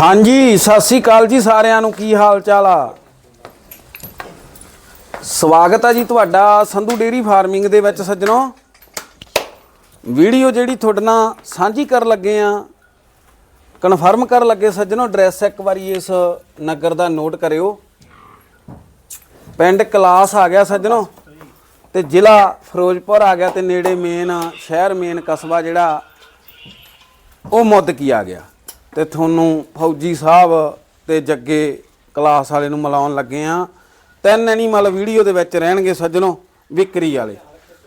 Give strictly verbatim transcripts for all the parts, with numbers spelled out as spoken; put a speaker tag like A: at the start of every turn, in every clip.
A: हाँ जी सत श्री अकाल जी सारिਆਂ ਨੂੰ ਕੀ ਹਾਲ ਚਾਲ ਆ। ਸਵਾਗਤ ਹੈ ਜੀ ਤੁਹਾਡਾ ਸੰਧੂ ਡੇਰੀ ਫਾਰਮਿੰਗ ਦੇ ਵਿੱਚ ਸੱਜਣੋ। ਵੀਡੀਓ ਜਿਹੜੀ ਤੁਹਾਡੇ ਨਾਲ ਸਾਂਝੀ ਕਰਨ ਲੱਗੇ ਆ, ਕਨਫਰਮ ਕਰਨ ਲੱਗੇ ਸੱਜਣੋ। ਐਡਰੈਸ ਇੱਕ ਵਾਰੀ ਇਸ ਨਗਰ ਦਾ ਨੋਟ ਕਰਿਓ। ਪਿੰਡ ਕਲਾਸ ਆ ਗਿਆ ਸੱਜਣੋ ਤੇ ਜ਼ਿਲ੍ਹਾ ਫਿਰੋਜ਼ਪੁਰ ਆ ਗਿਆ ਤੇ ਨੇੜੇ ਮੇਨ ਸ਼ਹਿਰ ਮੇਨ ਕਸਬਾ ਜਿਹੜਾ ਉਹ ਮੁੱਦਕੀ ਆ ਗਿਆ। ਤੇ ਤੁਹਾਨੂੰ ਫੌਜੀ ਸਾਹਿਬ ਤੇ ਜੱਗੇ ਕਲਾਸ ਵਾਲੇ ਨੂੰ ਮਿਲਾਉਣ ਲੱਗੇ ਆ। ਤਿੰਨ ਐਨੀਮਲ ਵੀਡੀਓ ਦੇ ਵਿੱਚ ਰਹਿਣਗੇ ਸੱਜਣੋ ਵਿਕਰੀ ਵਾਲੇ।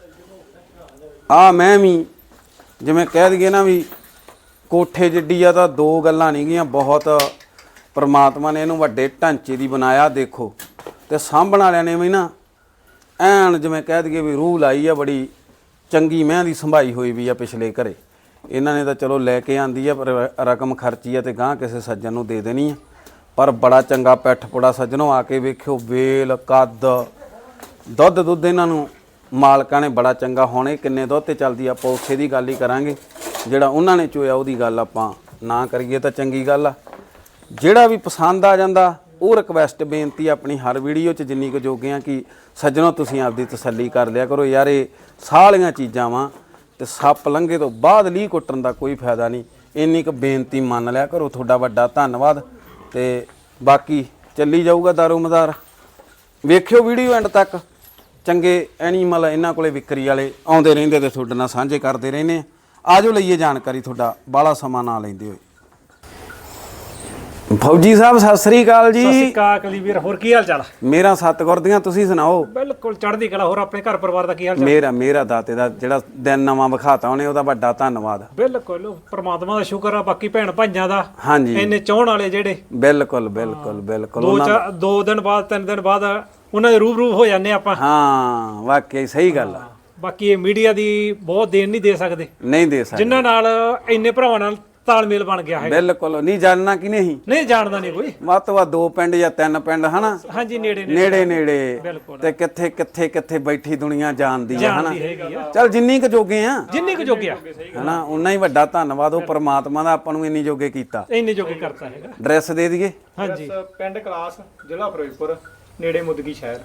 A: ਆ ਮੈਂ ਵੀ ਜਿਵੇਂ ਕਹਿ ਦਈਏ ਨਾ ਵੀ ਕੋਠੇ ਜਿੱਡੀ ਆ ਤਾਂ ਦੋ ਗੱਲਾਂ ਨਹੀਂ ਗੀਆਂ, ਬਹੁਤ ਪਰਮਾਤਮਾ ਨੇ ਇਹਨੂੰ ਵੱਡੇ ਢਾਂਚੇ ਦੀ ਬਣਾਇਆ। ਦੇਖੋ ਤੇ ਸਾਂਭਣ ਵਾਲਿਆਂ ਨੇ ਵੀ ਨਾ ਐਨ ਜਿਵੇਂ ਕਹਿ ਦਈਏ ਵੀ ਰੂਹ ਲਾਈ ਆ, ਬੜੀ ਚੰਗੀ ਮਹਿੰ ਦੀ ਸੰਭਾਈ ਹੋਈ ਵੀ ਆ ਪਿਛਲੇ ਘਰੇ। ਇਹਨਾਂ ਨੇ ਤਾਂ ਚਲੋ ਲੈ ਕੇ ਆਂਦੀ ਆ ਪਰ ਰਕਮ ਖਰਚੀ ਆ ਤੇ ਗਾਂ ਕਿਸੇ ਸੱਜਣ ਨੂੰ ਦੇ ਦੇਣੀ ਆ। ਪਰ ਬੜਾ ਚੰਗਾ ਪੈਠ ਪੁੜਾ ਸੱਜਣੋਂ, ਆ ਕੇ ਵੇਖਿਓ ਵੇਲ ਕੱਦ ਦੁੱਧ ਦੁੱਧ ਇਹਨਾਂ ਨੂੰ ਮਾਲਕਾਂ ਨੇ ਬੜਾ ਚੰਗਾ। ਹੁਣ ਇਹ ਕਿੰਨੇ ਦੁੱਧ ਤੇ ਚੱਲਦੀ ਆ ਆਪਾਂ ਉਸੇ ਦੀ ਗੱਲ ਹੀ ਕਰਾਂਗੇ। ਜਿਹੜਾ ਉਹਨਾਂ ਨੇ ਚੋਇਆ ਉਹਦੀ ਗੱਲ ਆਪਾਂ ਨਾ ਕਰੀਏ ਤਾਂ ਚੰਗੀ ਗੱਲ ਆ। ਜਿਹੜਾ ਵੀ ਪਸੰਦ ਆ ਜਾਂਦਾ ਉਹ ਰਿਕਵੈਸਟ ਬੇਨਤੀ ਆਪਣੀ ਹਰ ਵੀਡੀਓ 'ਚ ਜਿੰਨੀ ਕੁ ਜੋਗੇ ਆ ਕਿ ਸੱਜਣੋਂ ਤੁਸੀਂ ਆਪਦੀ ਤਸੱਲੀ ਕਰ ਲਿਆ ਕਰੋ। ਯਾਰ ਇਹ ਸਾਲੀਆਂ ਚੀਜ਼ਾਂ ਵਾ ਤੇ ਸੱਪ ਲੰਘੇ ਤੋਂ ਬਾਅਦ ਲੀਹ ਕੁੱਟਣ ਦਾ ਕੋਈ ਫਾਇਦਾ ਨਹੀਂ। ਇੰਨੀ ਕੁ ਬੇਨਤੀ ਮੰਨ ਲਿਆ ਕਰੋ। ਤੁਹਾਡਾ ਵੱਡਾ ਧੰਨਵਾਦ। ਤੇ ਬਾਕੀ ਚੱਲੀ ਜਾਊਗਾ ਦਾਰੋ ਮਦਾਰ। ਵੇਖਿਓ ਵੀਡੀਓ ਐਂਡ ਤੱਕ। ਚੰਗੇ ਐਨੀਮਲ ਇਹਨਾਂ ਕੋਲੇ ਵਿਕਰੀ ਵਾਲੇ ਆਉਂਦੇ ਰਹਿੰਦੇ ਤੇ ਤੁਹਾਡੇ ਨਾਲ ਸਾਂਝੇ ਕਰਦੇ ਰਹਿੰਦੇ। ਆ ਜਾਓ ਲਈਏ ਜਾਣਕਾਰੀ, ਤੁਹਾਡਾ ਬਾਹਲਾ ਸਮਾਂ ਨਾ ਲੈਂਦੇ ਹੋਏ। ਫੌਜੀ ਸਾਹਿਬ ਸਤਿ ਸ੍ਰੀ ਅਕਾਲ ਜੀ।
B: ਸਤਿ ਸ੍ਰੀ ਅਕਾਲ ਕਲੀਵੀਰ, ਹੋਰ ਕੀ ਹਾਲ ਚਾਲ?
A: ਮੇਰਾ ਸਤਿਗੁਰ ਦੀਆਂ, ਤੁਸੀਂ ਸੁਣਾਓ?
B: ਬਿਲਕੁਲ ਚੜ੍ਹਦੀ ਕਲਾ। ਹੋਰ ਆਪਣੇ ਘਰ ਪਰਿਵਾਰ ਦਾ ਕੀ ਹਾਲ ਚਾਲ?
A: ਮੇਰਾ ਮੇਰਾ ਦਾਤੇ ਦਾ ਜਿਹੜਾ ਦਿਨ ਨਵਾਂ ਵਿਖਾਤਾ ਉਹਨੇ, ਉਹਦਾ ਵੱਡਾ ਧੰਨਵਾਦ।
B: ਬਿਲਕੁਲ ਪ੍ਰਮਾਤਮਾ ਦਾ ਸ਼ੁਕਰ ਆ। ਬਾਕੀ ਭੈਣ ਭਾਈਆਂ ਦਾ
A: ਹਾਂਜੀ
B: ਇੰਨੇ ਚਾਹਣ ਵਾਲੇ ਜਿਹੜੇ
A: ਬਿਲਕੁਲ ਬਿਲਕੁਲ ਬਿਲਕੁਲ
B: ਦੋ ਚਾਰ ਦੋ ਦਿਨ ਬਾਅਦ ਤਿੰਨ ਦਿਨ ਬਾਅਦ ਉਹਨਾਂ ਦੇ ਰੂਬਰੂ ਹੋ ਜਾਂਦੇ ਆਪਾਂ।
A: ਹਾਂ ਵਾਕਈ ਸਹੀ ਗੱਲ ਆ।
B: ਬਾਕੀ ਇਹ ਮੀਡੀਆ ਦੀ ਬਹੁਤ ਦੇਣ ਨਹੀਂ ਦੇ ਸਕਦੇ,
A: ਨਹੀਂ ਦੇ ਸਕਦੇ
B: ਜਿਨ੍ਹਾਂ ਨਾਲ ਇੰਨੇ ਭਰਾਵਾਂ ਨਾਲ ਤਾਲਮੇਲ ਬਣ ਗਿਆ ਹੈ।
A: ਬਿਲਕੁਲ ਨਹੀਂ ਜਾਣਨਾ ਕਿ ਨਹੀਂ
B: ਨਹੀਂ ਜਾਣਦਾ ਨਹੀਂ ਕੋਈ।
A: ਵੱਧ ਤੋਂ ਵੱਧ ਦੋ ਪਿੰਡ ਜਾਂ ਤਿੰਨ ਪਿੰਡ ਹਨਾ।
B: ਹਾਂਜੀ ਨੇੜੇ
A: ਨੇੜੇ ਨੇੜੇ
B: ਬਿਲਕੁਲ।
A: ਤੇ ਕਿੱਥੇ ਕਿੱਥੇ ਕਿੱਥੇ ਬੈਠੀ ਦੁਨੀਆ ਜਾਣਦੀ ਆ ਹਨਾ।
B: ਜਾਣਦੀ ਹੈਗੀ ਆ।
A: ਚੱਲ ਜਿੰਨੀ ਕੁ ਜੋਗੇ ਆ
B: ਜਿੰਨੀ ਕੁ ਜੋਗਿਆ
A: ਹਨਾ ਉਨਾ ਹੀ ਵੱਡਾ ਧੰਨਵਾਦ ਉਹ ਪਰਮਾਤਮਾ ਦਾ, ਆਪਾਂ ਨੂੰ ਇੰਨੀ ਜੋਗੇ ਕੀਤਾ।
B: ਇੰਨੇ ਜੋਗੇ ਕਰਤਾ ਹੈਗਾ।
A: ਐਡਰੈਸ ਦੇ ਦਈਏ।
B: ਹਾਂਜੀ
C: ਪਿੰਡ ਕਲਾਸ ਜ਼ਿਲ੍ਹਾ ਫਿਰੋਜ਼ਪੁਰ ਨੇੜੇ ਮੁਦਗੀ ਸ਼ਹਿਰ।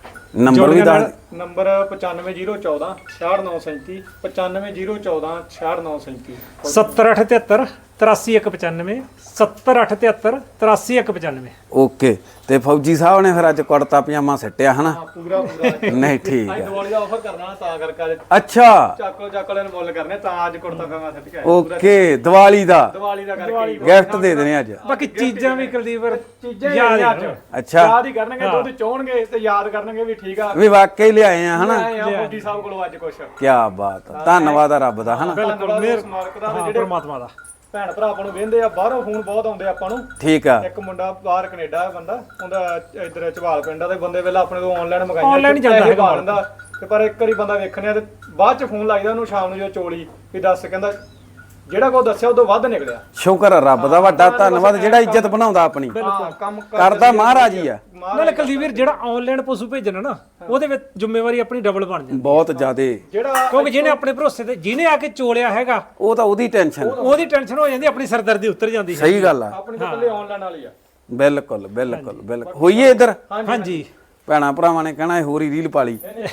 A: ਨੰਬਰ ਵੀ ਦੱਸ।
C: ਨੰਬਰ ਪਚਾਨਵੇਂ ਜ਼ੀਰੋ ਚੌਦਾਂ ਛਿਆਹਠ ਨੌ ਸੈਂਤੀ ਪਚਾਨਵੇਂ ਜ਼ੀਰੋ ਚੌਦਾਂ ਛਿਆਹਠ ਨੌ ਸੈਂਤੀ
B: ਸੱਤਰ ਅੱਠ ਤਿਹੱਤਰ ਤਰਾਸੀ ਇੱਕ ਪਚਾਨਵੇਂ ਸੱਤਰ ਅੱਠ ਤਿਹੱਤਰ ਤਰਾਸੀ ਇੱਕ ਪਚਾਨਵੇਂ।
A: ਓਕੇ। ਤੇ ਫੌਜੀ ਸਾਹਿਬ ਨੇ ਫਿਰ ਅੱਜ ਕੁੜਤਾ ਪਜਾਮਾ ਸਿੱਟਿਆ ਹਨਾ?
C: ਪੂਰਾ ਪੂਰਾ
A: ਨਹੀਂ ਠੀਕ
C: ਅੱਜ
A: ਆ।
C: ਦੀਵਾਲੀ ਦਾ ਆਫਰ ਕਰਨਾ ਤਾਂ ਕਰਕੇ ਅੱਜ
A: ਅੱਛਾ
C: ਚਾਕੋ ਚਾਕੋ ਵਾਲੇ ਨੂੰ ਮੁੱਲ ਕਰਨੇ ਤਾਂ ਅੱਜ ਕੁੜਤਾ ਪਜਾਮਾ ਸੱਟ ਕੇ ਆਏ।
A: ਓਕੇ ਦੀਵਾਲੀ ਦਾ
C: ਦੀਵਾਲੀ ਦਾ ਕਰਕੇ
A: ਗਿਫਟ ਦੇ ਦੇਣੇ ਅੱਜ।
B: ਬਾਕੀ ਚੀਜ਼ਾਂ ਵੀ ਕੁਲਦੀਪ
C: ਚੀਜ਼ਾਂ
B: ਯਾਦ
C: ਯਾਦ
B: ਰੱਖੋ।
A: ਅੱਛਾ
C: ਯਾਦ ਹੀ ਕਰਨਗੇ, ਦੁੱਧ ਚੋਣਗੇ ਤੇ ਯਾਦ ਕਰਨਗੇ ਵੀ ਠੀਕ ਆ
A: ਵੀ ਵਾਕਈ ਲਿਆਏ ਆ ਹਨਾ।
C: ਆਏ ਆ ਫੌਜੀ ਸਾਹਿਬ ਕੋਲੋਂ ਅੱਜ ਕੁਛ।
A: ਕੀ ਬਾਤ ਆ, ਧੰਨਵਾਦ ਆ ਰੱਬ ਦਾ ਹਨਾ।
B: ਬਿਲਕੁਲ ਮੇਰ
C: ਮਾਲਕ ਦਾ
B: ਹਾਂ
C: ਜਿਹੜੇ
B: ਪਰਮਾਤਮਾ ਦਾ।
C: ਭੈਣ ਭਰਾ ਆਪਾਂ ਨੂੰ ਵੇਂਦੇ ਆ, ਬਾਹਰੋਂ ਫੋਨ ਬਹੁਤ ਆਉਂਦੇ ਆਪਾਂ ਨੂੰ।
A: ਠੀਕ ਆ।
C: ਇੱਕ ਮੁੰਡਾ ਬਾਹਰ ਕੈਨੇਡਾ ਹੈ ਬੰਦਾ, ਉਹਦਾ ਇਧਰ ਝਵਾਲ ਪਿੰਡ ਆ ਤੇ ਬੰਦੇ ਵੇਲੇ ਆਪਣੇ ਤੋਂ ਆਨਲਾਈਨ ਮੰਗਾਈਆਂ।
B: Online ਹੀ ਜਾਂਦਾ ਹੈਗਾ
C: ਬੰਦਾ ਤੇ ਪਰ ਇੱਕ ਵਾਰੀ ਬੰਦਾ ਵੇਖਣਿਆ ਤੇ ਬਾਅਦ ਚ ਫੋਨ ਲਾਈਦਾ ਉਹਨੂੰ ਸ਼ਾਮ ਨੂੰ ਜੋ ਚੋਲੀ ਵੀ ਦੱਸ, ਕਹਿੰਦਾ ਜਿਹੜਾ ਕੋ ਦੱਸਿਆ ਉਦੋਂ ਵੱਧ ਨਿਕਲਿਆ।
A: ਸ਼ੁਕਰ ਆ ਰੱਬ ਦਾ, ਵੱਡਾ ਧੰਨਵਾਦ ਜਿਹੜਾ ਇੱਜ਼ਤ ਬਣਾਉਂਦਾ ਆਪਣੀ।
C: ਹਾਂ ਕੰਮ
A: ਕਰਦਾ ਮਹਾਰਾਜ ਹੀ ਆ।
B: ਨਾਲੇ ਕੁਲਦੀਪ ਜਿਹੜਾ ਆਨਲਾਈਨ ਪਸ਼ੂ ਭੇਜਣਾ ਨਾ ਉਹਦੇ ਵਿੱਚ ਜ਼ਿੰਮੇਵਾਰੀ ਆਪਣੀ ਡਬਲ ਬਣ ਜਾਂਦੀ।
A: ਬਹੁਤ ਜ਼ਿਆਦੇ।
C: ਜਿਹੜਾ
B: ਕਿਉਂਕਿ ਜਿਹਨੇ ਆਪਣੇ ਭਰੋਸੇ ਤੇ ਜਿਹਨੇ ਆ ਕੇ ਚੋਲਿਆ ਹੈਗਾ
A: ਉਹ ਤਾਂ ਉਹਦੀ ਟੈਨਸ਼ਨ।
B: ਉਹਦੀ ਟੈਨਸ਼ਨ ਹੋ ਜਾਂਦੀ, ਆਪਣੀ ਸਰਦਰਦੀ ਉਤਰ ਜਾਂਦੀ ਹੈ।
A: ਸਹੀ ਗੱਲ ਆ।
C: ਆਪਣੀ ਤਾਂ ਇਕੱਲੇ ਆਨਲਾਈਨ ਵਾਲੀ ਆ।
A: ਬਿਲਕੁਲ ਬਿਲਕੁਲ ਬਿਲਕੁਲ। ਹੋਈਏ ਇੱਧਰ
B: ਹਾਂਜੀ
A: ਭੈਣਾ ਭਰਾਵਾਂ ਨੇ ਕਹਿਣਾ ਹੋਰ ਹੀ ਰੀਲ ਪਾਲੀ।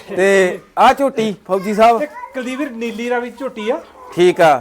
A: ਤੇ ਆ ਝੋਟੀ ਫੌਜੀ ਸਾਹਿਬ
B: ਤੇ ਕੁਲਦੀਪ ਨੀਲੀ ਰਾਵੀ ਝੋਟੀ ਆ,
A: ਠੀਕ ਆ।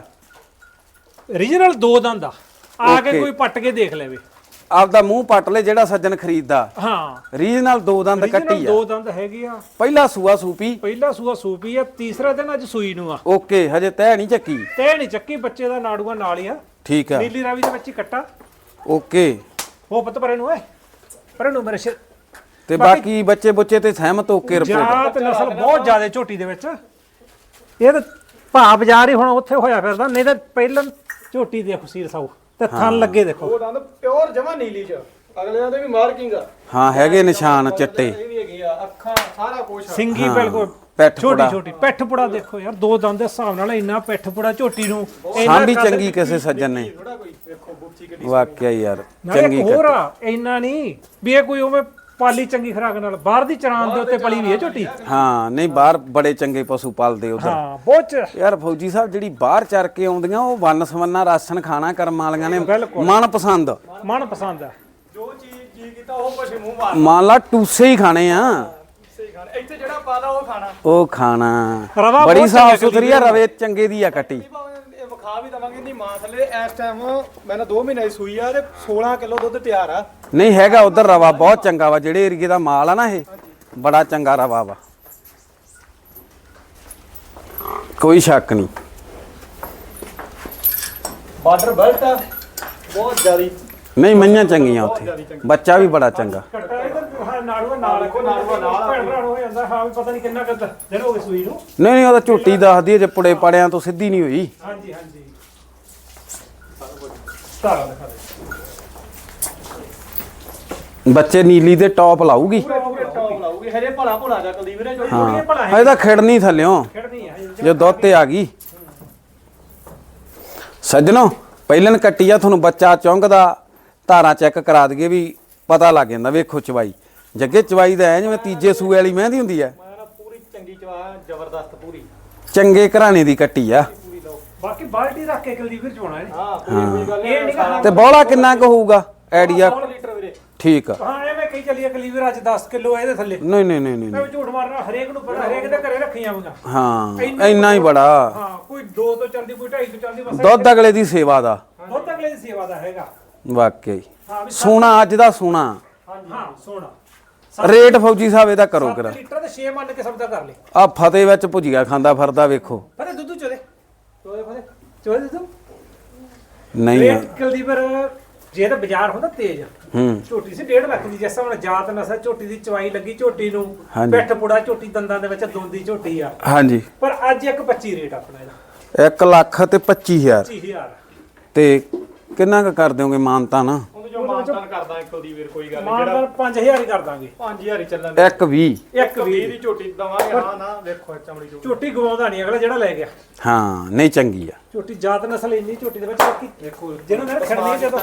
B: ਰੀਜਨਲ ਦੋ ਦੰਦ ਆ। ਆ ਕੇ
A: Okay.
B: ਕੋਈ ਪੱਟ ਕੇ ਦੇਖ ਲੈਵੇ।
A: ਆਪਦਾ ਮੂੰਹ ਪੱਟ ਲੈ ਜਿਹੜਾ ਸੱਜਣ ਖਰੀਦਦਾ।
B: ਹਾਂ
A: ਰੀਜਨਲ ਦੋ ਦੰਦ
B: ਰੀਜਨਲ
A: ਕੱਟੀ ਆ।
B: ਦੋ ਦੰਦ ਹੈਗੇ ਆ।
A: ਪਹਿਲਾ ਸੂਆ ਸੂਪੀ।
B: ਪਹਿਲਾ ਸੂਆ ਸੂਪੀ ਆ, ਤੀਸਰਾ ਦਿਨ ਅੱਜ ਸੂਈ ਨੂੰ ਆ।
A: ਓਕੇ ਹਜੇ ਤੈਅ ਨਹੀਂ ਚੱਕੀ।
B: ਤੇ ਨਹੀਂ ਚੱਕੀ, ਬੱਚੇ ਦਾ ਨਾੜੂਆ ਨਾਲ ਹੀ ਆ।
A: ਠੀਕ ਆ।
B: ਨੀਲੀ ਰਾਵੀ ਦੇ ਵਿੱਚ ਹੀ ਕੱਟਾ।
A: ਓਕੇ।
B: ਉਹ ਪੁੱਤ ਪਰੇ ਨੂੰ ਓਏ, ਪਰੇ ਨੂੰ ਮੇਰੇ ਸਿਰ।
A: ਤੇ ਬਾਕੀ ਬੱਚੇ ਬੁੱਚੇ ਤੇ ਸਹਿਮਤ ਹੋ ਕੇ ਰਿਪੋਰਟ।
B: ਜਾਤ ਨਸਲ ਬਹੁਤ ਜ਼ਿਆਦਾ ਝੋਟੀ ਦੇ ਵਿੱਚ। ਇਹ ਤਾਂ ਭਾ ਬਾਜ਼ਾਰ ਹੀ ਹੁਣ ਉੱਥੇ ਹੋਇਆ ਫਿਰਦਾ, ਨਹੀਂ ਤਾਂ ਪਹਿਲਾਂ ਝੋਟੀ ਦੇਖੋ ਸੀਰ ਸਾਊ ਤੇ ਥਣ ਲੱਗੇ ਦੇਖੋ।
C: ਉਹ ਦੰਦ ਪਿਓਰ ਜਮਾ ਨੀਲੀ ਚ, ਅਗਲਿਆਂ ਦੇ ਵੀ ਮਾਰਕਿੰਗ ਆ।
A: ਹਾਂ ਹੈਗੇ ਨਿਸ਼ਾਨ ਚਿੱਟੇ।
C: ਇਹ ਵੀ ਹੈਗੀ ਆ, ਅੱਖਾਂ ਸਾਰਾ ਕੁਝ।
B: ਸਿੰਗੀ ਬਿਲਕੁਲ
A: ਪੈਠ
B: ਛੋਟੀ
A: ਪੁੜਾ।
B: ਛੋਟੀ ਪਿੱਠ ਪੁੜਾ ਦੇਖੋ ਯਾਰ, ਦੋ ਦੰਦ ਦੇ ਹਿਸਾਬ ਨਾਲ ਇੰਨਾ ਪਿੱਠ ਪੁੜਾ ਝੋਟੀ ਨੂੰ।
A: ਸਾਂਭੀ ਚੰਗੀ ਕਿਸੇ ਸੱਜਣ ਨੇ।
C: ਥੋੜਾ ਕੋਈ ਵੇਖੋ ਬੁੱਚੀ ਕਿੱਡੀ।
A: ਵਾਕਿਆ ਯਾਰ
B: ਨਾਲੇ
A: ਚੰਗੀ
B: ਇੱਕ ਹੋਰ ਆ, ਇੰਨਾ ਨਹੀਂ ਵੀ ਇਹ ਕੋਈ ਉਵੇਂ ਪਾਲੀ ਚੰਗੀ ਖਰਾਕ ਨਾਲ ਬਾਹਰ ਦੀ ਚਰਾਨ ਦੇ ਉੱਤੇ ਪਲੀ ਵੀ ਹੈ ਝੋਟੀ।
A: ਹਾਂ ਨਹੀਂ ਬਾਹਰ ਬੜੇ ਚੰਗੇ ਪਸ਼ੂ ਪਾਲਦੇ ਉਧਰ।
B: ਹਾਂ ਬਹੁਤ ਚ-
A: ਯਾਰ ਫੌਜੀ ਸਾਹਿਬ ਜਿਹੜੀ ਬਾਹਰ ਚਰ ਕੇ ਆਉਂਦੀਆਂ ਉਹ ਵੰਨ ਸਵੰਨਾ ਰਾਸ਼ਨ ਖਾਣਾ ਕਰਮ ਵਾਲੀਆਂ ਨੇ
B: ਬਿਲਕੁਲ।
A: ਮਨ ਪਸੰਦ।
B: ਮਨ ਪਸੰਦ ਹੈ।
C: ਜੋ ਚੀਜ਼ ਜੀ ਕੀਤਾ ਉਹ ਕੁਛ ਮੂੰਹ ਮਾਰ
A: ਮੰਨ ਲਾ ਟੂਸੇ ਹੀ ਖਾਣੇ ਆ
C: ਸਹੀ ਖਾਣਾ ਇੱਥੇ ਜਿਹੜਾ ਪਾਦਾ ਉਹ ਖਾਣਾ।
A: ਉਹ ਖਾਣਾ
B: ਰਵਾ
A: ਬੜੀ
B: ਬਹੁਤ
A: ਸਾਫ
B: ਚੰਗੀ
A: ਸੁਥਰੀ ਆ ਰਵੇ ਚੰਗੇ ਦੀ ਆ ਕੱਟੀ।
C: ਇਹ ਭਾਵੇਂ ਇਹ ਵਿਖਾ ਵੀ ਦਵਾਂਗੇ ਨਹੀਂ ਮਾਂ ਥੱਲੇ ਇਸ ਟਾਈਮ ਮੈਂ ਨਾ ਦੋ ਮਹੀਨੇ ਦੀ ਸੂਈ ਆ ਤੇ ਸੋਲਾਂ ਕਿਲੋ ਦੁੱਧ ਤਿਆਰ ਆ।
A: ਨਹੀਂ ਹੈਗਾ ਉਧਰ ਰਵਾ ਬਹੁਤ ਚੰਗਾ ਵਾ ਜਿਹੜੇ ਏਰੀਏ ਦਾ ਮਾਲ ਆ ਨਾ ਇਹ ਬੜਾ ਚੰਗਾ ਰਵਾ ਵਾ ਕੋਈ ਸ਼ੱਕ ਨਹੀਂ।
C: ਬਾਰਡਰ ਬੈਲਟ ਆ ਬਹੁਤ ਜ਼ਿਆਦੀ।
A: ਨਹੀਂ ਮਈਆਂ ਚੰਗੀਆਂ ਉੱਥੇ ਬੱਚਾ ਵੀ ਬੜਾ ਚੰਗਾ।
B: ਕੱਟਾ ਇਹਦਾ ਨਾੜੂਆ ਨਾਲ
C: ਦੇਖੋ ਨਾੜੂਆ ਨਾਲ।
B: ਭੈਣ ਭਰਾ ਹੋ ਜਾਂਦਾ ਹਾਂ ਵੀ ਪਤਾ ਨਹੀਂ ਕਿੰਨਾ ਕੁ ਦਿਨ ਹੋ ਗਏ ਸੂਈ ਨੂੰ।
A: ਨਹੀਂ ਨਹੀਂ ਉਹਦਾ ਝੋਟੀ ਦੱਸਦੀ ਹੈ ਜੇ ਪੁੜੇ ਪੜਿਆਂ ਤੋਂ ਸਿੱਧੀ ਨਹੀਂ ਹੋਈ।
B: ਹਾਂਜੀ ਹਾਂਜੀ ਤਾਰਾ ਦਿਖਾ ਦੇ
A: ਬੱਚੇ ਨੀਲੀ ਦੇ ਟੌਪ ਲਾਊਗੀ।
C: ਪੂਰੇ ਪੂਰੇ ਟੌਪ ਲਾਊਗੀ ਹਜੇ ਭਲਾ ਭੁਲਾ ਜਾ ਕੁਲਦੀਪ ਵੀਰੇ ਜੋ
A: ਹਾਂ
B: ਭਲਾ ਹੈ।
A: ਇਹਦਾ ਖਿੜਨੀ ਥੱਲਿਓਂ
B: ਖੇਡਣੀ ਹੈ
A: ਜੇ ਦੁੱਧ ਤੇ ਆ ਗਈ। ਸੱਜਣੋ ਪਹਿਲਨ ਕੱਟੀ ਆ ਤੁਹਾਨੂੰ ਬੱਚਾ ਚੁੰਗਦਾ ਧਾਰਾਂ ਚੈੱਕ ਕਰਾ ਦਈਏ ਵੀ ਪਤਾ ਲੱਗ ਜਾਂਦਾ। ਵੇਖੋ ਚਵਾਈ ਜੱਗੇ ਚਵਾਈ ਦਾ ਐ ਜਿਵੇਂ ਤੀਜੇ ਸੂਏ ਵਾਲੀ ਮਹਿੰਦੀ ਹੁੰਦੀ ਐ।
C: ਮੈਂ ਨਾ ਪੂਰੀ ਚੰਗੀ ਚਵਾ ਜ਼ਬਰਦਸਤ ਪੂਰੀ
A: ਚੰਗੇ ਘਰਾਣੇ ਦੀ ਕੱਟੀ ਆ।
C: ਪੂਰੀ ਲਓ।
B: ਬਾਕੀ ਬਾਲਟੀ ਰੱਖ ਕੇ ਕੁਲਦੀਪ ਵੀਰ ਚੋਣਾ ਹੈ।
C: ਹਾਂ ਪੂਰੀ ਕੋਈ ਗੱਲ
B: ਇਹ ਨਹੀਂ
C: ਨਹੀਂ।
A: ਤੇ ਬੋਲਾ ਕਿੰਨਾ ਕੁ ਹੋਊਗਾ ਆਈਡੀਆ?
C: ਸੌ ਲੀਟਰ ਵੀਰੇ।
A: ਠੀਕ ਆ।
B: ਹਾਂ ਐਵੇਂ ਕਹੀ ਚੱਲੀਏ ਕੁਲਦੀਪ ਵੀਰ ਅੱਜ ਦਸ ਕਿਲੋ ਇਹਦੇ ਥੱਲੇ।
A: ਨਹੀਂ ਨਹੀਂ ਨਹੀਂ ਨਹੀਂ
B: ਮੈਂ ਝੂਠ ਮਾਰਨਾ ਹਰੇਕ ਨੂੰ ਪਤਾ ਹਰੇਕ ਦੇ ਘਰੇ ਰੱਖੀਆਂ ਹੋਈਆਂ।
A: ਹਾਂ ਇੰਨਾ ਹੀ ਬੜਾ
B: ਹਾਂ ਕੋਈ ਦੋ ਤੋਂ ਚੱਲਦੀ ਕੋਈ ਢਾਈ ਤੋਂ ਚੱਲਦੀ ਬਸ।
A: ਦੁੱਧ ਅਗਲੇ ਦੀ ਸੇਵਾ ਦਾ
B: ਦੁੱਧ ਅਗਲੇ ਦੀ ਸੇਵਾ ਦਾ ਹੈਗਾ।
A: ਵਾਕਈ
B: ਹਾਂ ਵੀ
A: ਸੋਨਾ ਅੱਜ ਦਾ ਸੋਨਾ।
B: ਹਾਂ ਸੋਣਾ
A: ਰੇਟ ਫੌਜੀ ਸਾਹਿਬ ਇਹਦਾ ਕਰੋ
B: ਸੱਤ
A: ਕਰਾ।
B: ਲੀਟਰ ਤੇ ਛੇ ਮੰਨ ਕੇ ਸਬਦਾ ਕਰ ਲੈ।
A: ਆ ਫਤਿਹ ਵਿੱਚ ਭੁਜੀਆ ਖਾਂਦਾ ਫਿਰਦਾ ਵੇਖੋ।
B: ਪਤਾ ਦੁੱਧ ਚੋਦੇ ਚੋਦੇ ਫਦੇ ਚੋਦੇ ਦੁੱਧ
A: ਨਹੀਂ ਆ।
B: ਰੇਟ ਕੁਲਦੀਪ ਵੀਰ ਜੇ ਤਾਂ ਬਾਜ਼ਾਰ ਹੁੰਦਾ ਤੇਜ਼
A: ਹੂੰ
B: ਝੋਟੀ ਸੀ ਡੇਢ ਲੱਖ ਦੀ। ਜਿਸ ਹੁਣ ਜਾਤ ਨਸਲ ਝੋਟੀ ਦੀ ਚਵਾਈ ਲੱਗੀ ਝੋਟੀ ਨੂੰ
A: ਹਾਂਜੀ।
B: ਪਿੱਠ ਪੁੜਾ ਝੋਟੀ ਦੰਦਾਂ ਦੇ ਵਿੱਚ ਦੋਂਦੀ ਝੋਟੀ ਆ।
A: ਹਾਂਜੀ
B: ਪਰ ਅੱਜ ਇੱਕ ਪੱਚੀ ਰੇਟ ਆਪਣਾ ਇਹਦਾ
A: ਇੱਕ ਲੱਖ ਤੇ ਪੱਚੀ ਹਜ਼ਾਰ
B: ਪੱਚੀ ਹਜ਼ਾਰ।
A: ਤੇ ਕਿੰਨਾ ਕੁ ਕਰ ਦਿਓਗੇ ਮਾਨਤਾ ਨਾ?
C: ਉਹਨੂੰ ਜੋ ਮਾਨਤਾਨ ਕਰਦਾ ਕੁਲਦੀਪ ਵੀਰ ਕੋਈ ਗੱਲ ਨਹੀਂ।
B: ਮਾਨ
C: ਜਿਹੜਾ
B: ਪੰਜ ਹਜ਼ਾਰ ਹੀ ਕਰ ਦਾਂਗੇ।
C: ਪੰਜ ਹਜ਼ਾਰ ਹੀ ਚੱਲਣ ਦੇ।
A: ਇੱਕ ਵੀਹ
B: ਇੱਕ
C: ਵੀਹ
B: ਵੀ
C: ਦੀ ਝੋਟੀ ਦਵਾਂਗੇ। ਹਾਂ ਨਾ ਵੇਖੋ ਚਮੜੀ ਜੋ
B: ਝੋਟੀ ਗਵਾਉਂਦਾ ਨਹੀਂ ਅਗਲਾ ਜਿਹੜਾ ਲੈ ਗਿਆ।
A: ਹਾਂ ਨਹੀਂ ਚੰਗੀ ਆ।
B: ਝੋਟੀ ਜਾਤ ਨਸਲ ਇੰਨੀ ਝੋਟੀ ਦੇ ਵਿੱਚ ਬਾਕੀ
C: ਦੇਖੋ
B: ਜਿਹਨੂੰ ਨੇ ਖੜਨੀ ਜਦੋਂ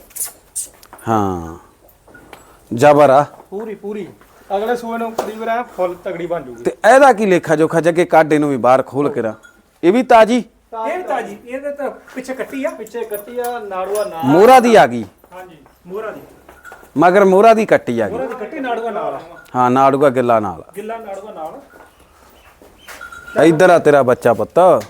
A: ਹਾਂ ਜਬਰ ਆ।
C: ਪੂਰੀ ਪੂਰੀ ਅਗਲੇ ਸੂਏ ਨੂੰ ਕੁਲਦੀਪ ਵੀਰ ਐ ਫੁੱਲ ਤਗੜੀ ਬਣ ਜੂਗੀ।
A: ਤੇ ਇਹਦਾ ਕੀ ਲੇਖਾ ਜੋਖਾ ਜੱਗੇ ਕਾਡੇ ਨੂੰ ਵੀ ਬਾਹਰ ਖੋਲ ਕੇ ਰਾ ਇਹ ਵੀ ਤਾਜੀ
B: ਇਹ ਤਾਜੀ ਇਹਦੇ ਤਾਂ ਪਿੱਛੇ ਕੱਟੀ ਆ।
C: ਪਿੱਛੇ ਕੱਟੀ ਆ ਨਾੜੂਆ ਨਾ।
A: ਮੋਹਰਾ ਦੀ ਆ ਗਈ
B: ਹਾਂਜੀ ਮੋਹਰਾ ਦੀ
A: ਮਗਰ ਮੋਹਰਾ ਦੀ ਕੱਟੀ ਆ
B: ਮੋਹਰਾ
A: ਗਈ।
B: ਦੀ ਕੱਟੀ ਨਾੜੂਆ ਨਾਲ ਆ।
A: ਹਾਂ ਨਾੜੂਗਾ ਗਿੱਲਾ ਨਾਲ
B: ਗਿੱਲਾ ਨਾੜੂਆ ਨਾਲ।
A: ਇੱਧਰ ਆ ਤੇਰਾ ਬੱਚਾ ਪੁੱਤ।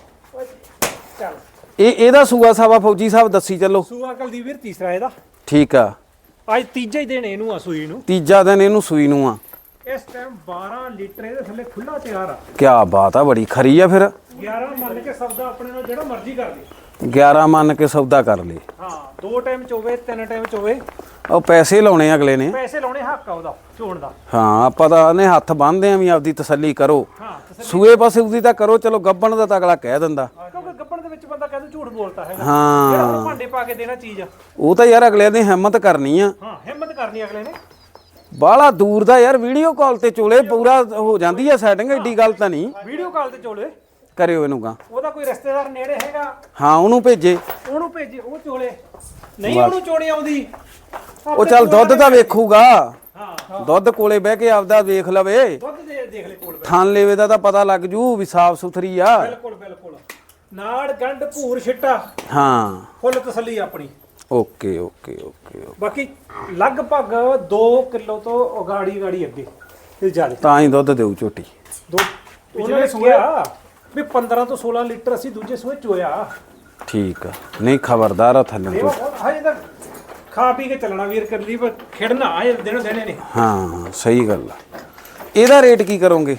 B: ਚੱਲ
A: ਇਹ ਇਹਦਾ ਸੂਆ ਸਾਵਾ ਫੌਜੀ ਸਾਹਿਬ ਦੱਸੀ ਚੱਲੋ।
B: ਸੂਆ ਕੁਲਦੀਪ ਵੀਰ ਤੀਸਰਾ ਇਹਦਾ
A: ਠੀਕ ਆ।
B: ਅੱਜ ਤੀਜਾ ਹੀ ਦਿਨ ਇਹਨੂੰ ਆ ਸੂਈ ਨੂੰ।
A: ਤੀਜਾ ਦਿਨ ਇਹਨੂੰ ਸੂਈ ਨੂੰ ਆ।
B: ਇਸ ਟਾਈਮ ਬਾਰਾਂ ਲੀਟਰ ਇਹਦੇ ਥੱਲੇ ਖੁੱਲਾ ਤਿਆਰ ਆ।
A: ਕਿਆ ਬਾਤ ਆ ਬੜੀ ਖਰੀ ਆ ਫਿਰ।
B: ਗਿਆਰਾਂ ਮੰਨ ਕੇ ਸਬਦਾ ਆਪਣੇ ਨਾਲ ਜਿਹੜਾ ਮਰਜ਼ੀ ਕਰ ਲਈ।
A: ਗਿਆਰਾਂ ਮੰਨ ਕੇ ਸੌਦਾ ਕਰ ਲੇ।
B: ਹਾਂ ਦੋ ਟਾਈਮ ਚ ਹੋਵੇ ਤਿੰਨ ਟਾਈਮ ਚ ਹੋਵੇ
A: ਉਹ ਪੈਸੇ ਲਾਉਣੇ ਅਗਲੇ ਨੇ।
B: ਪੈਸੇ ਲਾਉਣੇ ਹੱਕ ਆ ਉਹਦਾ ਝੋਣ ਦਾ।
A: ਹਾਂ ਆਪਾਂ ਤਾਂ ਨੇ ਹੱਥ ਬੰਨਦੇ ਆ ਵੀ ਆਪਦੀ ਤਸੱਲੀ ਕਰੋ।
B: ਹਾਂ
A: ਸੂਏ ਪਾਸੇ ਉਹਦੀ ਤਾਂ ਕਰੋ ਚਲੋ ਗੱਬਣ ਦਾ ਤਾਂ ਅਗਲਾ ਕਹਿ ਦਿੰਦਾ।
B: ਕਿਉਂਕਿ ਗੱਪਣ ਦੇ ਵਿੱਚ ਬੰਦਾ ਕਹਿੰਦਾ ਝੂਠ ਬੋਲਦਾ ਹੈਗਾ। ਜਿਹੜਾ
A: ਹਾਂ
B: ਹੁਣ ਭਾਂਡੇ ਪਾ ਕੇ ਦੇਣਾ ਚੀਜ਼ ਆ।
A: ਉਹ ਤਾਂ ਯਾਰ ਅਗਲੇ ਨੇ ਹਿੰਮਤ ਕਰਨੀ ਆ।
B: ਹਾਂ ਹਿੰਮਤ ਕਰਨੀ ਅਗਲੇ ਨੇ।
A: ਬਾਹਲਾ ਦੂਰ ਦਾ ਯਾਰ ਵੀਡੀਓ ਕਾਲ ਤੇ ਚੋਲੇ ਪੂਰਾ ਹੋ ਜਾਂਦੀ ਆ ਸੈਟਿੰਗ। ਏਡੀ ਗੱਲ ਤਾਂ ਨਹੀਂ।
B: ਵੀਡੀਓ ਕਾਲ ਤੇ ਚੋਲੇ
A: ਕਰਿਓ ਇਹਨੂੰ ਗਾ।
B: ਉਹਦਾ ਕੋਈ ਰਿਸ਼ਤੇਦਾਰ ਨੇੜੇ ਹੈਗਾ
A: ਹਾਂ ਉਹਨੂੰ ਭੇਜੇ।
B: ਉਹਨੂੰ ਭੇਜੇ ਉਹ ਚੋਲੇ ਨਹੀਂ ਉਹਨੂੰ ਚੋਣੀ ਆਉਂਦੀ।
A: ਉਹ ਚੱਲ ਦੁੱਧ ਤਾਂ ਵੇਖੂਗਾ।
B: ਹਾਂ
A: ਦੁੱਧ ਕੋਲੇ ਬਹਿ ਕੇ ਆਪਦਾ ਵੇਖ ਲਵੇ।
B: ਦੁੱਧ ਦੇ ਦੇਖ ਲੈ ਕੋਲ
A: ਥਾਨ ਲੇਵੇ ਦਾ ਤਾਂ ਪਤਾ ਲੱਗ ਜੂ ਵੀ ਸਾਫ ਸੁਥਰੀ ਆ।
B: ਬਿਲਕੁਲ ਬਿਲਕੁਲ ਨਾੜ ਗੰਢ ਭੂਰ ਛਿੱਟਾ
A: ਹਾਂ
B: ਫੁੱਲ ਤਸੱਲੀ ਆਪਣੀ।
A: Okay okay okay okay.
B: ਬਾਕੀ ਲਗਭਗ ਦੋ ਕਿਲੋ ਤੋਂ ਉਗਾੜੀ ਗਾੜੀ ਅੱਗੇ ਇਹ ਜ਼ਿਆਦਾ
A: ਤਾਂ ਹੀ ਦੁੱਧ ਦੇਊ ਝੋਟੀ।
B: ਦੋ ਉਹਨਾਂ ਨੇ ਕਿਹਾ ਵੀ ਪੰਦਰਾਂ ਤੋਂ ਸੋਲਾਂ ਲੀਟਰ ਅਸੀਂ ਦੂਜੇ ਸੂਏ ਚੋਇਆ।
A: ਠੀਕ ਆ ਨਹੀਂ ਖਬਰਦਾਰ ਆ ਥੱਲੇ
B: ਇਹ ਬਹੁਤ ਹਜੇ ਤਾਂ ਖਾ ਪੀ ਕੇ ਚੱਲਣਾ ਵੀਰ ਕਰ ਲਈ ਪਰ ਖੇਡਣਾ ਹਜੇ ਦਿਨ ਦੇਣੇ ਨੇ।
A: ਹਾਂ ਸਹੀ ਗੱਲ ਆ। ਇਹਦਾ ਰੇਟ ਕੀ ਕਰੋਗੇ?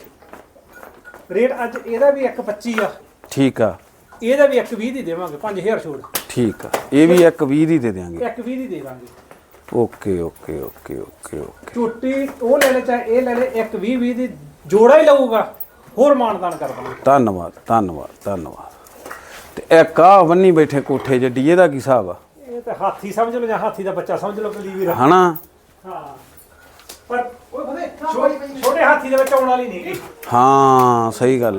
B: ਰੇਟ ਅੱਜ ਇਹਦਾ ਵੀ ਇੱਕ ਪੱਚੀ ਆ।
A: ਠੀਕ ਆ
B: ਇਹਦਾ ਵੀ ਇੱਕ ਵੀਹ ਦੀ ਦੇਵਾਂਗੇ ਪੰਜ ਹਜ਼ਾਰ ਛੋੜ।
A: ਠੀਕ ਆ ਇਹ ਵੀ ਇੱਕ ਵੀਹ ਦੀ ਦੇ ਦਿਆਂਗੇ।
B: ਇੱਕ ਵੀਹ ਦੀ ਦੇ ਦਾਂਗੇ।
A: Okay okay okay okay okay.
B: ਝੂਟੀ ਉਹ ਲੈ ਲੈ ਚਾਹੇ ਇਹ ਲੈ ਲੈ ਇੱਕ ਵੀਹ ਵੀਹ ਦੀ ਜੋੜਾ ਹੀ ਲਊਗਾ ਹੋਰ ਮਾਨਦਾਨ ਕਰ ਦਾਂਗੇ।
A: ਧੰਨਵਾਦ ਧੰਨਵਾਦ ਧੰਨਵਾਦ। ਤੇ ਇੱਕ ਆ ਬੰਨੀ ਬੈਠੇ ਕੋਠੇ ਜੱਡੀ ਇਹਦਾ ਕੀ ਹਿਸਾਬ ਆ?
B: ਇਹ ਤਾਂ ਹਾਥੀ ਸਮਝ ਲਓ ਜਾਂ ਹਾਥੀ ਦਾ ਬੱਚਾ ਸਮਝ ਲਓ ਕਲੀ ਵੀਰ।
A: ਹਨਾ
B: ਹਾਂ ਪਰ ਉਹ ਬਦੇ ਛੋਟੇ ਹਾਥੀ ਦੇ ਵਿੱਚ ਆਉਣ ਵਾਲੀ ਨਹੀਂ ਹੈਗੀ।
A: ਹਾਂ ਸਹੀ ਗੱਲ ਆ।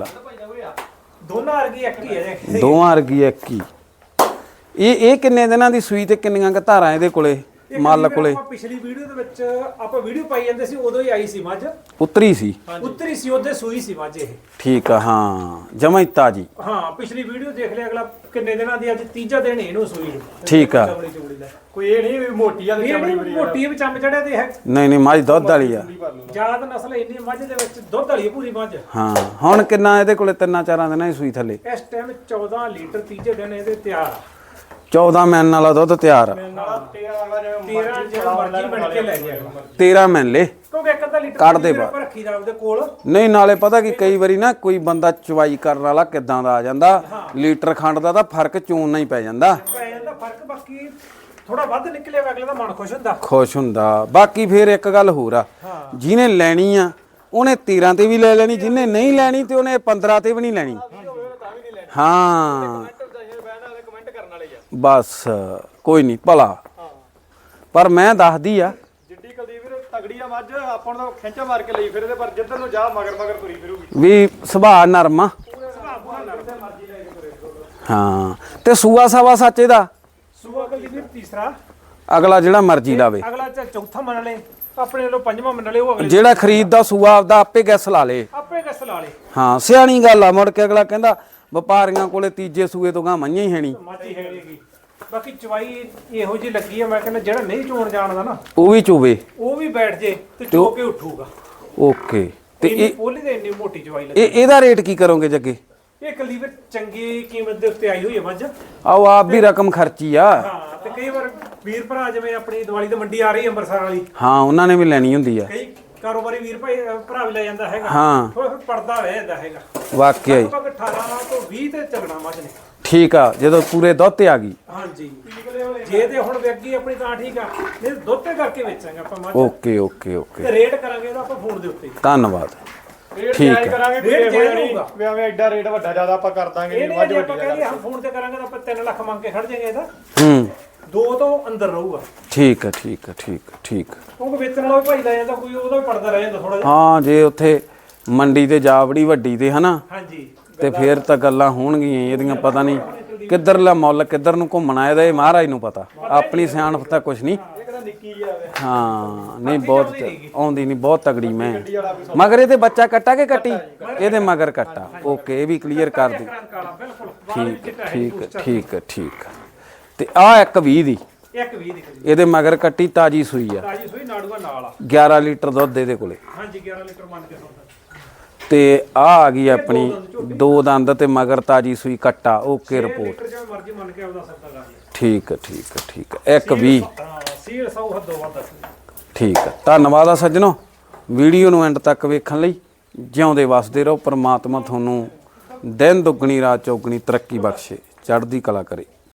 B: ਦੋਨਾਂ ਵਰਗੀ ਇੱਕ ਹੀ ਹੈ ਜੀ।
A: ਦੋਵਾਂ ਵਰਗੀ ਇੱਕ ਹੀ। ਇਹ ਇਹ ਕਿੰਨੇ ਦਿਨਾਂ ਦੀ ਸੂਈ ਤੇ ਕਿੰਨੀਆਂ ਕ ਧਾਰਾਂ ਇਹਦੇ ਕੋਲੇ?
B: ਇੱਕ
A: ਮੱਲ
B: ਵੀਰ
A: ਕੋਲੇ
B: ਆਪਾਂ ਪਿਛਲੀ ਵੀਡੀਓ ਦੇ ਵਿੱਚ ਆਪਾਂ ਵੀਡੀਓ ਪਾਈ ਜਾਂਦੇ ਸੀ ਉਦੋਂ ਹੀ ਆਈ ਸੀ ਮੱਝ
A: ਉਤਰੀ ਸੀ
B: ਉੱਤਰੀ ਸੀ ਉਹਦੇ ਸੂਈ ਸੀ ਮੱਝ ਇਹ
A: ਠੀਕ ਆ ਹਾਂ ਜਮਾਂ ਹੀ ਤਾਜੀ
B: ਹਾਂ ਪਿਛਲੀ ਵੀਡੀਓ ਦੇਖ ਲਿਆ ਅਗਲਾ ਕਿੰਨੇ ਦਿਨਾਂ ਦੀ ਅੱਜ ਤੀਜਾ ਦਿਨ ਇਹਨੂੰ ਸੂਈ ਨੂੰ
A: ਠੀਕ ਆ
B: ਚਮੜੀ ਚਮੜੀ ਦਾ
C: ਕੋਈ ਇਹ ਨਹੀਂ ਵੀ ਮੋਟੀ ਆ ਤੇ
B: ਇਹ
C: ਚਮੜੀ
B: ਨਹੀਂ
C: ਬਰੀ
B: ਮੋਟੀ ਵੀ ਚੰਮ ਚੜਿਆ ਤੇ ਹੈ
A: ਨਹੀਂ ਨਹੀਂ ਮੱਝ ਦੁੱਧ ਵਾਲੀ ਆ
B: ਜ਼ਿਆਦਾ ਨਸਲ ਇੰਨੀ ਮੱਝ ਦੇ ਵਿੱਚ ਦੁੱਧ ਵਾਲੀ ਪੂਰੀ ਮੱਝ
A: ਹਾਂ ਹੁਣ ਕਿੰਨਾ ਇਹਦੇ ਕੋਲੇ ਤਿੰਨਾਂ ਚਾਰਾਂ ਦਿਨਾਂ ਹੀ ਸੂਈ ਥੱਲੇ
B: ਇਸ ਟਾਈਮ ਚੌਦਾਂ ਲੀਟਰ ਤੀਜੇ ਦਿਨ ਇਹਦੇ ਤਿਆਰ ਆ
A: ਚੌਦਾਂ ਮੈਨ ਵਾਲਾ ਦੁੱਧ ਤਿਆਰ ਆ
C: ਨਾਲ ਤੇਰਾ ਵਾਰ
B: ਤੇਰਾਂ ਜਿਹੜਾ ਮਰਜ਼ੀ ਬਣ ਕੇ ਲੈ ਜਾਏਗਾ
A: ਤੇਰਾਂ ਮੈਨ ਲੈ
B: ਕਿਉਂਕਿ ਇੱਕ ਅੱਧਾ ਲੀਟਰ
A: ਕੱਢ ਦੇ
B: ਪਾਣੀ ਆਪਾਂ ਰੱਖੀ ਦਾ ਉਹਦੇ ਕੋਲ
A: ਨਹੀਂ ਨਾਲੇ ਪਤਾ ਕੀ ਕਈ ਵਾਰੀ ਨਾ ਕੋਈ ਬੰਦਾ ਚਵਾਈ ਕਰਨ ਵਾਲਾ ਕਿਦਾਂ ਦਾ ਆ ਜਾਂਦਾ ਲੀਟਰ ਖੰਡ ਦਾ ਤਾਂ ਫਰਕ ਚੂਨਾ ਹੀ ਪੈ ਜਾਂਦਾ
B: ਪੈ ਜਾਂਦਾ ਫਰਕ ਬਾਕੀ ਥੋੜਾ ਵੱਧ ਨਿਕਲੇ ਅਗਲੇ ਦਾ ਮਨ ਖੁਸ਼ ਹੁੰਦਾ
A: ਖੁਸ਼ ਹੁੰਦਾ ਬਾਕੀ ਫੇਰ ਇੱਕ ਗੱਲ ਹੋਰ ਆ ਜਿਹਨੇ ਲੈਣੀ ਆ ਉਹਨੇ ਤੇਰਾਂ ਤੇ ਵੀ ਲੈ ਲੈਣੀ ਜਿਹਨੇ ਨਹੀਂ ਲੈਣੀ ਤੇ ਉਹਨੇ ਪੰਦਰਾਂ ਤੇ ਵੀ ਨਹੀਂ ਲੈਣੀ ਹਾਂ
C: ਕਮੈਂਟ ਕਰਨ ਵਾਲੇ ਆ
A: ਬਸ ਕੋਈ ਨਹੀਂ ਭਲਾ ਪਰ ਮੈਂ ਦੱਸਦੀ ਆ
C: ਜਿੱਡੀ ਕੁਲਦੀਪ ਵੀਰ ਤਗੜੀ ਆ ਮੱਝ ਆਪਾਂ ਨੂੰ ਤਾਂ ਖਿੰਚਾ ਮਾਰ ਕੇ ਲਈ ਫਿਰ ਇਹਦੇ ਪਰ ਜਿੱਧਰ ਨੂੰ ਜਾ ਮਗਰ ਮਗਰ ਤੁਰੀ ਫਿਰੂਗੀ
A: ਵੀ ਸੁਭਾਅ ਨਰਮ ਆ ਹਾਂ ਤੇ ਸੂਆ ਸਾਵਾ ਸੱਚ ਇਹਦਾ
B: ਸੂਆ ਕਲੀ ਵੀ ਤੀਸਰਾ
A: ਅਗਲਾ ਜਿਹੜਾ ਮਰਜ਼ੀ ਲਾਵੇ
B: ਅਗਲਾ ਚਾਹੇ ਚੌਥਾ ਮੰਨ ਲੈ ਆਪਣੇ ਵੱਲੋਂ ਪੰਜਵਾਂ ਮੰਨ ਲੈ ਉਹ ਅਗਲੇ
A: ਜਿਹੜਾ ਖਰੀਦਦਾ ਸੂਆ ਆਪਦਾ ਆਪੇ ਗੈਸ ਲਾ ਲੇ
B: ਆਪੇ ਕਿਸ ਲਾ ਲੇ
A: ਹਾਂ ਸਿਆਣੀ ਗੱਲ ਆ ਮੁੜ ਕੇ ਅਗਲਾ ਕਹਿੰਦਾ ਵਪਾਰੀਆਂ ਕੋਲੇ ਤੀਜੇ ਸੂਏ ਤੋਂ ਗਾਂ ਮਈਆਂ ਹੀ ਹੈਣੀ
B: ਮਾਝੀ ਹੈਗੀ ਬਾਕੀ ਚਵਾਈ ਇਹੋ ਜੀ ਲੱਗੀ ਆ ਮੈਂ ਕਹਿੰਦਾ ਜਿਹੜਾ ਨਹੀਂ ਚੋਣ ਜਾਣਦਾ ਨਾ
A: ਉਹ ਵੀ ਚੋਵੇ
B: ਉਹ ਵੀ ਬੈਠ ਜੇ ਤੇ ਚੋ ਕੇ ਉੱਠੂਗਾ
A: ਓਕੇ ਤੇ
B: ਇੰਨੀ
A: ਇਹ
B: ਪੋਲੀ ਤੇ ਇੰਨੀ ਮੋਟੀ ਚਵਾਈ ਲੱਗੀ
A: ਇਹ ਇਹਦਾ ਰੇਟ ਕੀ ਕਰੋਗੇ ਜੱਗੇ
B: ਇਹ ਕਲੀ ਵੀ ਚੰਗੀ ਕੀਮਤ ਦੇ ਉੱਤੇ ਆਈ ਹੋਈ ਹੈ ਮੱਝ
A: ਆਓ ਆਪ ਵੀ ਰਕਮ ਖਰਚੀ ਆ
B: ਹਾਂ ਤੇ ਕਈ ਵਾਰ ਵੀਰ ਭਰਾ ਜਿਵੇਂ ਆਪਣੀ ਦੀਵਾਲੀ ਤੇ ਮੰਡੀ ਆ ਰਹੀ ਹੈ ਅੰਮ੍ਰਿਤਸਰ ਵਾਲੀ
A: ਹਾਂ ਉਹਨਾਂ ਨੇ ਵੀ ਲੈਣੀ ਹੁੰਦੀ ਆ
B: ਕਈ ਕਾਰੋਬਾਰੀ ਵੀਰ ਭਾਈ ਅਹ ਭਰਾ ਵੀ ਲੈ ਜਾਂਦਾ ਹੈਗਾ
A: ਹਾਂ
B: ਥੋੜਾ ਫਿਰ ਪੜਦਾ ਰਹਿ ਜਾਂਦਾ ਹੈਗਾ
A: ਵਾਕਿਆ ਹੀ
B: ਲਗਭਗ ਅਠਾਰਾਂ ਤੋਂ ਵੀਹ ਤੇ ਚੱਲਣਾ ਮੱਝ ਨੇ
A: ਠੀਕ ਆ ਜਦੋਂ ਪੂਰੇ ਦੁੱਧ ਤੇ ਆ ਗਈ
B: ਹਾਂਜੀ ਜੇ ਤੇ ਹੁਣ ਵੇਗੀ ਆਪਣੀ ਤਾਂ ਠੀਕ ਆ ਨਹੀਂ ਦੁੱਧ ਤੇ ਕਰਕੇ ਵੇਚਾਂਗੇ ਆਪਾਂ ਮੱਝ
A: ਓਕੇ ਓਕੇ ਓਕੇ
B: ਤੇ ਰੇਟ ਕਰਾਂਗੇ ਇਹਦਾ ਆਪਾਂ ਫੋਨ ਦੇ ਉੱਤੇ
A: ਧੰਨਵਾਦ
C: ਰੇਟ
A: ਠੀਕ
C: ਜਾਇਜ਼
A: ਆ।
C: ਕਰਾਂਗੇ
B: ਰੇਟ
C: ਰੇਟ
B: ਜਾਇਜ਼
C: ਜਾਇਜ਼
B: ਹੋਊਗਾ।
C: ਵੀ ਐਵੇਂ ਐਡਾ ਰੇਟ ਵੱਡਾ ਜ਼ਿਆਦਾ ਆਪਾਂ ਕਰ ਦਾਂਗੇ
B: ਇਹ
C: ਜੀ
B: ਨਹੀਂ
C: ਮੱਝ
B: ਜੇ
C: ਵੱਡੀ
B: ਆਪਾਂ ਕਹਿੰਦੇ ਹਾਂ ਫੋਨ ਤੇ ਕਰਾਂਗੇ ਤਾਂ ਆਪਾਂ ਤਿੰਨ ਲੱਖ ਮੰਗ ਕੇ ਖੜ ਜਾਾਂਗੇ ਇਹਦਾ
A: ਹੂੰ
B: ਦੋ ਤੋਂ ਅੰਦਰ ਰਹੂਗਾ
A: ਠੀਕ ਆ ਠੀਕ ਆ ਠੀਕ ਆ ਠੀਕ ਆ
B: ਕਿਉਂਕਿ ਵੇਚਣ ਵਾਲਾ ਵੀ ਭਾਈ ਲੈ ਜਾਂਦਾ ਕੋਈ ਉਹਦਾ ਵੀ ਪੜਦਾ ਰਹਿ ਜਾਂਦਾ ਥੋੜਾ ਜਿਹਾ
A: ਹਾਂ ਜੇ ਉੱਥੇ ਮੰਡੀ ਤੇ ਜਾ ਵੜੀ ਵੱਡੀ ਤੇ ਹਨਾ
B: ਹਾਂਜੀ
A: ਤੇ ਫੇਰ ਤਾਂ ਗੱਲਾਂ ਹੋਣਗੀਆਂ ਹੀ, ਇਹਦੀਆਂ ਪਤਾ ਨਹੀਂ ਕਿੱਧਰਲਾ ਮੁੱਲ ਕਿੱਧਰ ਨੂੰ ਘੁੰਮਣਾ ਇਹਦਾ ਇਹ ਮਹਾਰਾਜ ਨੂੰ ਪਤਾ ਆਪਣੀ ਸਿਆਣਪ ਤਾਂ ਕੁਛ ਨਹੀਂ
C: ਇਹ ਕਿਹੜਾ ਨਿੱਕੀ ਜਿਹੀ ਆਵੇ
A: ਹਾਂ ਨਹੀਂ ਬਹੁਤ ਆਉਂਦੀ ਨਹੀਂ ਬਹੁਤ ਤਗੜੀ ਮੈਂ ਮਗਰ ਇਹਦੇ ਬੱਚਾ ਕੱਟਾ ਕਿ ਕੱਟੀ ਇਹਦੇ ਮਗਰ ਕੱਟਾ ਓਕੇ ਇਹ ਵੀ ਕਲੀਅਰ ਕਰ ਦੇ
B: ਕਾਲਾ ਬਿਲਕੁਲ ਬਾਹਰ ਵੀ
A: ਠੀਕ
B: ਚਿੱਟਾ ਹੈ
A: ਠੀਕ ਠੀਕ ਠੀਕ ਤੇ ਆ ਇੱਕ ਵੀਹ ਦੀ
B: ਇੱਕ ਵੀਹ ਦੀ ਕਰੀ
A: ਇਹਦੇ ਮਗਰ ਕੱਟੀ ਤਾਜੀ ਸੂਈ ਆ
B: ਤਾਜੀ ਸੂਈ ਨਾੜੂਆ ਨਾਲ ਆ
A: ਗਿਆਰਾਂ ਲੀਟਰ ਦੁੱਧ ਇਹਦੇ ਕੋਲੇ
B: ਹਾਂਜੀ ਗਿਆਰਾਂ ਲੀਟਰ ਮੰਨ ਕੇ ਸੌਦਾ
A: ਤੇ ਆ ਆ ਗਈ ਆਪਣੀ ਦੋ ਦੰਦ ਤੇ ਮਗਰ ਤਾਜੀ ਸੂਈ ਕੱਟਾ ਓਕੇ ਰਿਪੋਰਟ
B: ਲੀਟਰ ਜਿਵੇਂ ਮਰਜ਼ੀ ਮੰਨ ਕੇ ਆਪਦਾ ਸੌਦਾ ਕਰ ਲਿਆ
A: ਠੀਕ ਹੈ ਠੀਕ ਹੈ ਠੀਕ ਹੈ ਇੱਕ ਵੀਹ
B: ਹਾਂ ਸੀਲ ਸੌ ਹੱਦੋਂ ਵੱਧ
A: ਠੀਕ ਹੈ ਧੰਨਵਾਦ ਆ ਸੱਜਣੋ ਵੀਡੀਓ ਨੂੰ ਐਂਡ ਤੱਕ ਵੇਖਣ ਲਈ ਜਿਉਂਦੇ ਵਸਦੇ ਰਹੋ। ਪ੍ਰਮਾਤਮਾ ਤੁਹਾਨੂੰ ਦਿਨ ਦੁੱਗਣੀ ਰਾਤ ਚੌਗਣੀ ਤਰੱਕੀ ਬਖਸ਼ੇ ਚੜ੍ਹਦੀ ਕਲਾ ਕਰੇ।